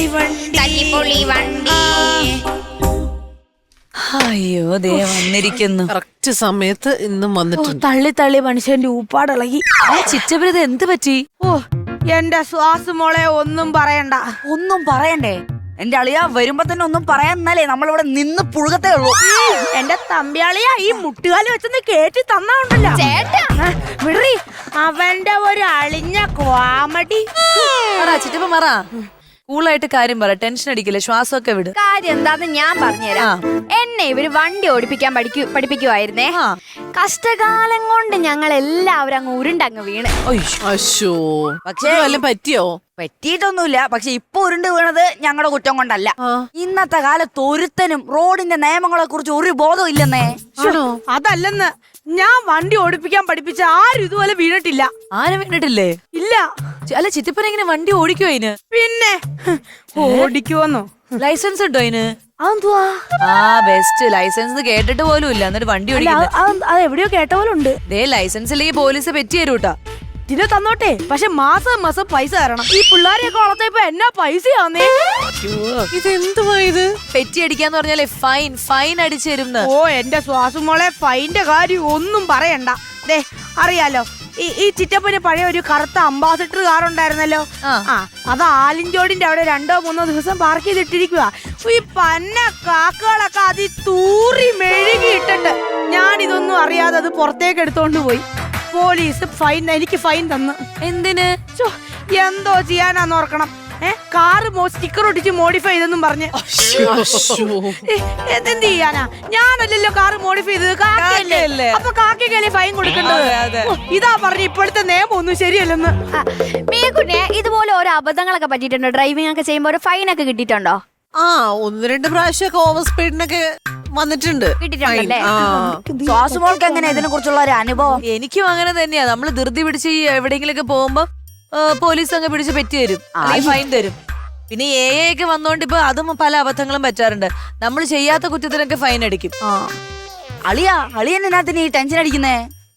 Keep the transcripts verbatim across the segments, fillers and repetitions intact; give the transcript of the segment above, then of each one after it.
തല്ലിപ്പൊളി വണ്ടി. അയ്യോ ദേ വന്നിരിക്കുന്നു. കറക്റ്റ് സമയത്ത് ഇന്നും വന്നിട്ടുണ്ട്. തള്ളി തള്ളി മനുഷ്യന്റെ ഊപ്പാടിളകി. ചിറ്റപ്രത് എന്ത് പറ്റി? ഓ എന്റെ ശ്വാസമോളെ ഒന്നും പറയണ്ട. ഒന്നും പറയണ്ടേ? എന്റെ അളിയ വരുമ്പോ തന്നെ ഒന്നും പറയാന്നല്ലേ നമ്മളിവിടെ നിന്ന് പുഴുകത്തേ ഉള്ളൂ. എന്റെ തമ്പിയാളിയാ ഈ മുട്ടുകാലി വെച്ചൊന്ന് കേട്ടി തന്നുണ്ടല്ലോ ചേട്ടാ വിടറി. അവന്റെ ഒരു അളിഞ്ഞ കോമഡി. ചിറ്റപ്പ മറ കൂളായിട്ട് കാര്യം പറ, ടെൻഷൻ അടിക്കില്ല, ശ്വാസമൊക്കെ വിട്. കാര്യം എന്താന്ന് ഞാൻ പറഞ്ഞുതരാം. എന്നെ ഇവര് വണ്ടി ഓടിപ്പിക്കാൻ പഠിക്കു പഠിപ്പിക്കുവായിരുന്നേ. കഷ്ടകാലം കൊണ്ട് ഞങ്ങൾ എല്ലാവരും അങ്ങ് ഉരുണ്ടങ്ങ് വീണ്. അശ്ശോ, പക്ഷേ വല്ലതും പറ്റിയോ? പറ്റിയിട്ടൊന്നുമില്ല. പക്ഷെ ഇപ്പൊ ഉരുണ്ട് വീണത് ഞങ്ങളുടെ കുറ്റം കൊണ്ടല്ല. ഇന്നത്തെ കാലത്ത് ഒരുത്തനും റോഡിന്റെ നിയമങ്ങളെ കുറിച്ച് ഒരു ബോധവും ഇല്ലെന്നേ. അതല്ലെന്ന്, ഞാൻ വണ്ടി ഓടിപ്പിക്കാൻ പഠിപ്പിച്ച ആരും ഇതുപോലെ വീണിട്ടില്ല. ആരും വീണിട്ടില്ലേ? ഇല്ല. അല്ല ചിറ്റപ്പന എങ്ങനെ വണ്ടി ഓടിക്കോ? അതിന് പിന്നെ ഓടിക്കുവന്നോ? ലൈസൻസ് ഉണ്ടോ അതിന്? അതെന്തുവാ? ആ ബെസ്റ്റ്. ലൈസൻസ് കേട്ടിട്ട് പോലും ഇല്ല, എന്നിട്ട് വണ്ടി ഓടിക്കുന്നത്. അത് എവിടെയോ കേട്ട പോലെ ഉണ്ട്. ദേ ലൈസൻസ് ഇല്ലെങ്കിൽ പോലീസ് പെറ്റി തരൂട്ടാ. ഇതിനെ തന്നോട്ടെ, പക്ഷെ മാസം മാസം പൈസ തരണം. ഈ പിള്ളേരെയൊക്കെ വളർത്തപ്പോ എന്നാ പൈസയാന്നേ. ഇതെന്തുവാ ഇത്? പെറ്റി അടിക്കാന്ന് പറഞ്ഞാലേ ഫൈൻ ഫൈൻ അടിച്ചു തരും. ഓ എന്റെ ശ്വാസമോളെ, ഫൈന്റെ കാര്യം ഒന്നും പറയണ്ട. ദേ അറിയാലോ, ഈ ഈ ചിറ്റപ്പന് പഴയ ഒരു കറുത്ത അംബാസിഡർ കാർ ഉണ്ടായിരുന്നല്ലോ. ആ അത് ആലിഞ്ചോടിന്റെ അവിടെ രണ്ടോ മൂന്നോ ദിവസം പാർക്ക് ചെയ്തിട്ടിരിക്കുക. ഈ പന്ന കാക്കകളൊക്കെ അതി തൂറി മെഴുകി ഇട്ടിട്ട് ഞാൻ ഇതൊന്നും അറിയാതെ അത് പുറത്തേക്ക് എടുത്തോണ്ട് പോയി. പോലീസ് ഫൈൻ എനിക്ക് ഫൈൻ തന്നു. എന്തിന്? എന്തോ ചെയ്യാനാന്ന് ഓർക്കണം. ഏഹ് കാറ് സ്റ്റിക്കർ ഒട്ടിച്ച് മോഡിഫൈ ചെയ്തെന്നും പറഞ്ഞ്. എന്ത് ചെയ്യാനാ? ഞാനല്ലല്ലോ കാറ് മോഡിഫൈ ചെയ്തത്, കാക്കയല്ലേ. അപ്പൊ കാക്കയ്ക്കല്ലേ ഫൈൻ കൊടുക്കേണ്ടത്. ഇതാ പറഞ്ഞ ഇപ്പോഴത്തെ നിയമം ഒന്നും ശരിയല്ലെന്ന്. മീകുട്ടിയെ ഇതുപോലെ ഓരോ അബദ്ധങ്ങളൊക്കെ പറ്റിയിട്ടുണ്ടോ? ഡ്രൈവിംഗ് ഒക്കെ ചെയ്യുമ്പോ ഒരു ഫൈൻ ഒക്കെ കിട്ടിയിട്ടുണ്ടോ? ആ ഒന്ന് രണ്ട് പ്രാവശ്യമൊക്കെ ഓവർ സ്പീഡിനൊക്കെ വന്നിട്ടുണ്ട്. കിട്ടിയിട്ടുണ്ടല്ലേ? ശ്വാസമോൾക്ക് എങ്ങനെ ഇതിനെ കുറിച്ചുള്ള ഒരു അനുഭവം? എനിക്കും അങ്ങനെ തന്നെയാ. നമ്മള് ധൃതി പിടിച്ച് എവിടെയെങ്കിലും ഒക്കെ പോകുമ്പോ പോലീസ് അങ്ങ് പിടിച്ച് പെറ്റി തരും, ഫൈൻ തരും. പിന്നെ എ ഒക്കെ വന്നോണ്ട് ഇപ്പൊ അതും പല അബദ്ധങ്ങളും പറ്റാറുണ്ട്. നമ്മൾ ചെയ്യാത്ത കുറ്റത്തിനൊക്കെ ഫൈൻ അടിക്കും. അളിയാ അളിയനതിന് ഈ ടെൻഷൻ അടിക്കുന്നേ?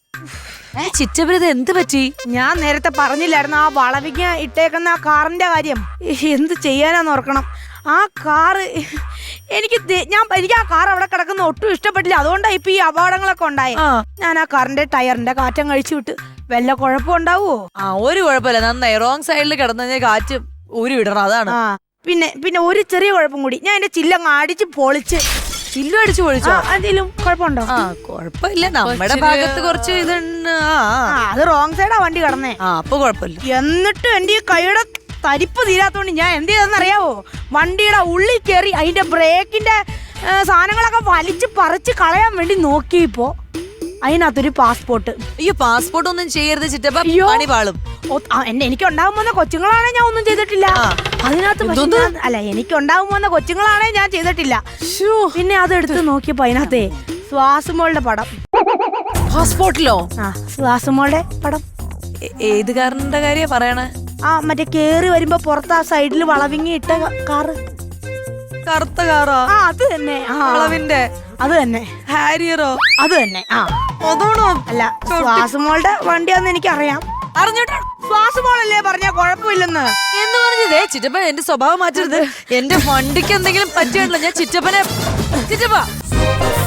ചിറ്റപ്രത് എന്ത് പറ്റി? ഞാൻ നേരത്തെ പറഞ്ഞില്ലായിരുന്നു ആ വളവിങ്ങ ഇട്ടേക്കുന്ന ആ കാറിന്റെ കാര്യം. എന്ത് ചെയ്യാനാന്ന് ഓർക്കണം. ആ കാറ് എനിക്ക് ഞാൻ എനിക്ക് ആ കാർ അവിടെ കിടക്കുന്ന ഒട്ടും ഇഷ്ടപ്പെട്ടില്ല. അതുകൊണ്ടാണ് ഇപ്പൊ ഈ അപകടങ്ങളൊക്കെ ഉണ്ടായി. ഞാൻ ആ കാറിന്റെ ടയറിന്റെ കാറ്റം കഴിച്ചു വിട്ട്. വല്ല കുഴപ്പം ഉണ്ടാവോ? ആ ഒരു കുഴപ്പമില്ല, നന്നായി. റോങ് സൈഡിൽ കിടന്നു കഴിഞ്ഞാൽ കാറ്റ് ഊരി വിടണം, അതാണ്. പിന്നെ പിന്നെ ഒരു ചെറിയ കുഴപ്പം കൂടി, ഞാൻ എന്റെ ചില്ലങ്ങ് അടിച്ച് പൊളിച്ച്. ചില്ലും അടിച്ചു പൊളിച്ചോ? എന്തെങ്കിലും കുഴപ്പമുണ്ടോ? ആ കുഴപ്പമില്ല, നമ്മുടെ ഭാഗത്ത് കുറച്ച് ഇതുണ്ട്. അത് റോങ് സൈഡാ വണ്ടി കിടന്നേ. ആ അപ്പൊ കുഴപ്പമില്ല. എന്നിട്ട് എന്റെ ഈ കൈയുടെ തരിപ്പ് തീരാത്തോണ്ട് ഞാൻ എന്ത് ചെയ്തെന്ന് അറിയാവോ? വണ്ടിയുടെ ഉള്ളിൽ കയറി അതിന്റെ ബ്രേക്കിന്റെ സാധനങ്ങളൊക്കെ വലിച്ച് പറിച്ച് കളയാൻ വേണ്ടി നോക്കിയപ്പോ അതിനകത്തൊരു പാസ്പോർട്ട്. അയ്യോ പാസ്പോർട്ട് ഒന്നും ചെയ്യരുത് ചിറ്റപ്പ, പണി പാളും. എന്നെ എനിക്ക് ഉണ്ടാകുമ്പോ കൊച്ചുങ്ങളാണെ ഞാൻ ഒന്നും ചെയ്തിട്ടില്ല. അതിനകത്ത് അല്ല എനിക്ക് ഉണ്ടാകുമ്പോ കൊച്ചുങ്ങളാണെ ഞാൻ ചെയ്തിട്ടില്ല. പിന്നെ അത് എടുത്ത് നോക്കിയപ്പോ അതിനകത്തെ ശ്വാസമോളുടെ പടം. പാസ്പോർട്ടിലോ? ആ ശ്വാസമോളുടെ പടം. ഏത് കാറിന്റെ കാര്യ പറയണേ? ആ മറ്റേ കേറി വരുമ്പോ പുറത്ത് ആ സൈഡിൽ വളവിങ്ങി ഇട്ട കാറ്. കറുത്ത കാറോ? ആ അത് തന്നെ. വളവിന്റെ അത് തന്നെ. ഹാരിയറോ? അത് തന്നെ. ആ അതാണോ? അല്ല ശ്വാസമോളുടെ വണ്ടിയാന്ന് എനിക്കറിയാം. അറിഞ്ഞോട്ടെ, ശ്വാസമോളല്ലേ പറഞ്ഞ കുഴപ്പമില്ലെന്ന് എന്ന് പറഞ്ഞതേ. ചിറ്റപ്പൻ എന്റെ സ്വഭാവം മാറ്റരുത്. എന്റെ വണ്ടിക്ക് എന്തെങ്കിലും പറ്റിയിട്ടില്ല. ഞാൻ ചിറ്റപ്പനെ ചിറ്റപ്പ